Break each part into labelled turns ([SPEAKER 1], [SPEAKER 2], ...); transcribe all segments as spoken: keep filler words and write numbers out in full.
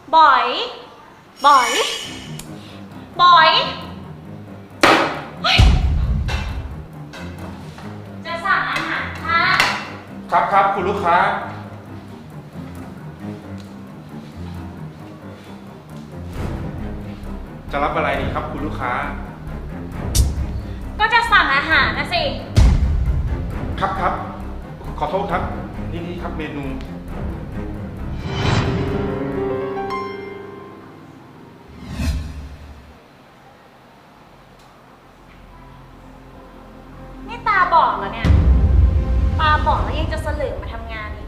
[SPEAKER 1] บอยบอยบอยจะสั่งอาหารค่ะ
[SPEAKER 2] ครับครับคุณลูกค้าจะรับอะไรดีครับคุณลูกค้า
[SPEAKER 1] ก็จะสั่งอาหารนะสิ
[SPEAKER 2] ครับครับขอโทษครับนี่นี่ครับเมนู
[SPEAKER 1] นี่ตาบอดแล้วเนี่ยตาบอดแล้วยังจะเสลือมาทำงานอีก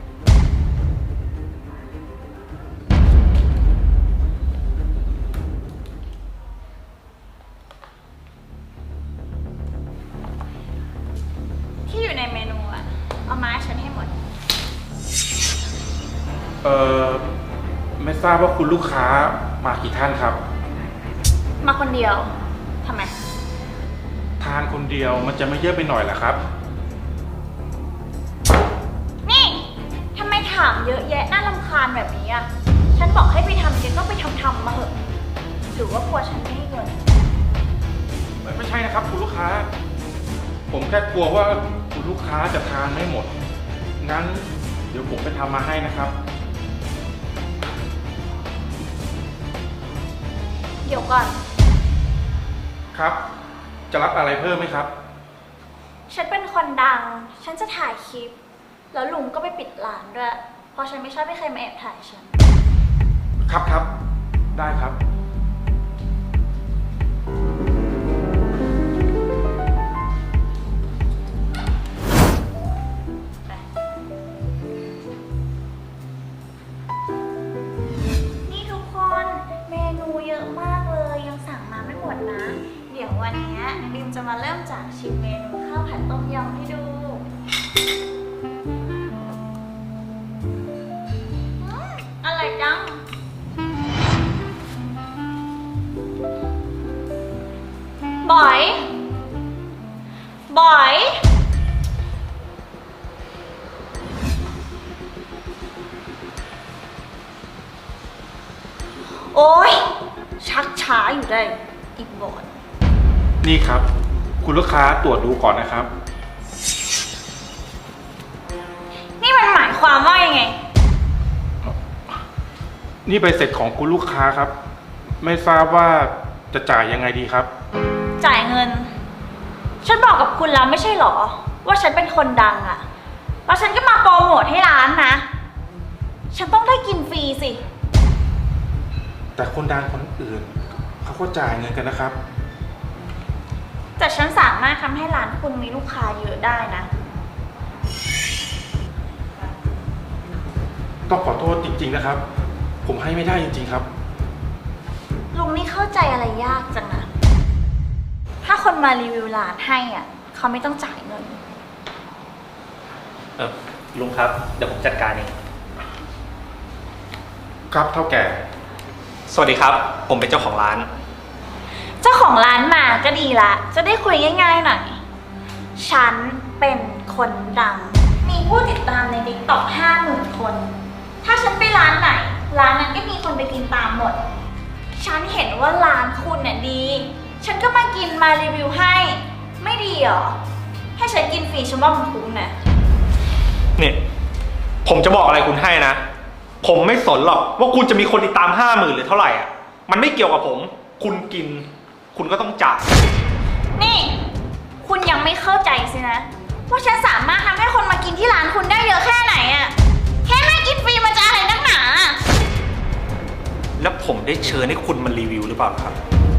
[SPEAKER 1] ที่อยู่ในเมนูอะเอามาให้ฉันให้หมด
[SPEAKER 2] เอ่อไม่ทราบว่าคุณลูกค้ามากี่ท่านครับ
[SPEAKER 1] มาคนเดียวทำไม
[SPEAKER 2] ทานคนเดียวมันจะไม่เยอะไปหน่อยเหรอครับ
[SPEAKER 1] นี่ทำไมถามเยอะแยะน่ารำคาญแบบนี้อะฉันบอกให้ไปทำเดี๋ยวก็ไปทำทำมาเหอะหรือว่ากลัวฉันไม่ให้เงิน
[SPEAKER 2] ไม่ใช่นะครับคุณลูกค้าผมแค่กลัวว่าคุณลูกค้าจะทานไม่หมดงั้นเดี๋ยวผมไปทำมาให้นะครับ
[SPEAKER 1] เดี๋ยวก่อน
[SPEAKER 2] ครับจะรับอะไรเพิ่มไหมครับ
[SPEAKER 1] ฉันเป็นคนดังฉันจะถ่ายคลิปแล้วลุงก็ไปปิดร้านด้วยเพราะฉันไม่ชอบให้ใครมาแอบถ่ายฉัน
[SPEAKER 2] ครับครับได้ครับ
[SPEAKER 1] นี่ทุกคนเมนูเยอะมากเลยยังสั่งมาไม่หมดนะเดี๋ยววันนี้บิมจะมาเริ่มจากชิมเมนูข้าวผัดต้มยำให้ดูอร่อยจังบอยบอยโอ๊ยชักช้าอยู่ได้อีกบอด
[SPEAKER 2] นี่ครับคุณลูกค้าตรวจดูก่อนนะครับ
[SPEAKER 1] นี่มันหมายความว่ายังไง
[SPEAKER 2] นี่ใบเสร็จของคุณลูกค้าครับไม่ทราบว่าจะจ่ายยังไงดีครับ
[SPEAKER 1] จ่ายเงินฉันบอกกับคุณแล้วไม่ใช่หรอว่าฉันเป็นคนดังอะแล้วฉันก็มาโปรโมทให้ร้านนะฉันต้องได้กินฟรีสิ
[SPEAKER 2] แต่คนดังคนอื่นเขาก็จ่ายเงินกันนะครับ
[SPEAKER 1] แต่ฉันสามารถทำให้ร้านคุณมีลูกค้าเยอะได้นะ
[SPEAKER 2] ต้องขอโทษจริงๆนะครับผมให้ไม่ได้จริงๆครับ
[SPEAKER 1] ลุงนี่เข้าใจอะไรยากจังนะถ้าคนมารีวิวร้านให้อ่ะเขาไม่ต้องจ่ายเงิน
[SPEAKER 3] เออลุงครับเดี๋ยวผมจัดการเอง
[SPEAKER 2] ครับเท่าแก่
[SPEAKER 3] สวัสดีครับผมเป็นเจ้าของร้าน
[SPEAKER 1] เจ้าของร้านมาก็ดีละจะได้คุยง่ายๆหน่อยฉันเป็นคนดังมีผู้ติดตามใน ติ๊กต็อก ห้าหมื่น คนถ้าฉันไปร้านไหนร้านนั้นก็มีคนไปกินตามหมดฉันเห็นว่าร้านคุณเนี่ยดีฉันก็มากินมารีวิวให้ไม่ดีเหรอให้ฉันกินฟรีฉันว่ามันคุ้มนะ
[SPEAKER 3] นี่ผมจะบอกอะไรคุณให้นะผมไม่สนหรอกว่าคุณจะมีคนติดตามห้าหมื่นหรือเท่าไหร่อ่ะมันไม่เกี่ยวกับผมคุณกินคุณก็ต้องจ่าย
[SPEAKER 1] นี่คุณยังไม่เข้าใจสินะว่าฉันสามารถทำให้คนมากินที่ร้านคุณได้เยอะแค่ไหนอ่ะแค่ให้กินฟรีมันจะอะไรนักหนา
[SPEAKER 3] แล้วผมได้เชิญให้คุณมารีวิวหรือเปล่าครับ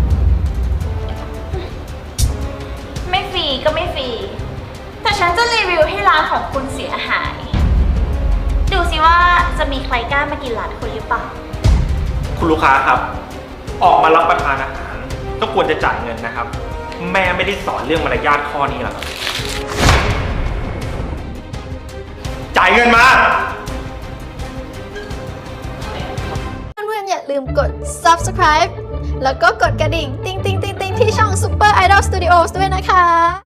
[SPEAKER 1] ไม่ฟรีก็ไม่ฟรีแต่ฉันจะรีวิวให้ร้านของคุณเสียหายดูสิว่าจะมีใครกล้ามากินร้านคุณหรือเปล่า
[SPEAKER 3] คุณลูกค้าครับออกมารับประทานอาหารก็ควรจะจ่ายเงินนะครับแม่ไม่ได้สอนเรื่องมารยาทข้อนี้หรอกจ่ายเงินมา
[SPEAKER 4] เพื่อนๆอย่าลืมกด ซับสไครบ์ แล้วก็กดกระดิ่งติ๊งติ๊งติ๊งติ๊งที่ช่อง Super Idol Studios ด้วยนะคะ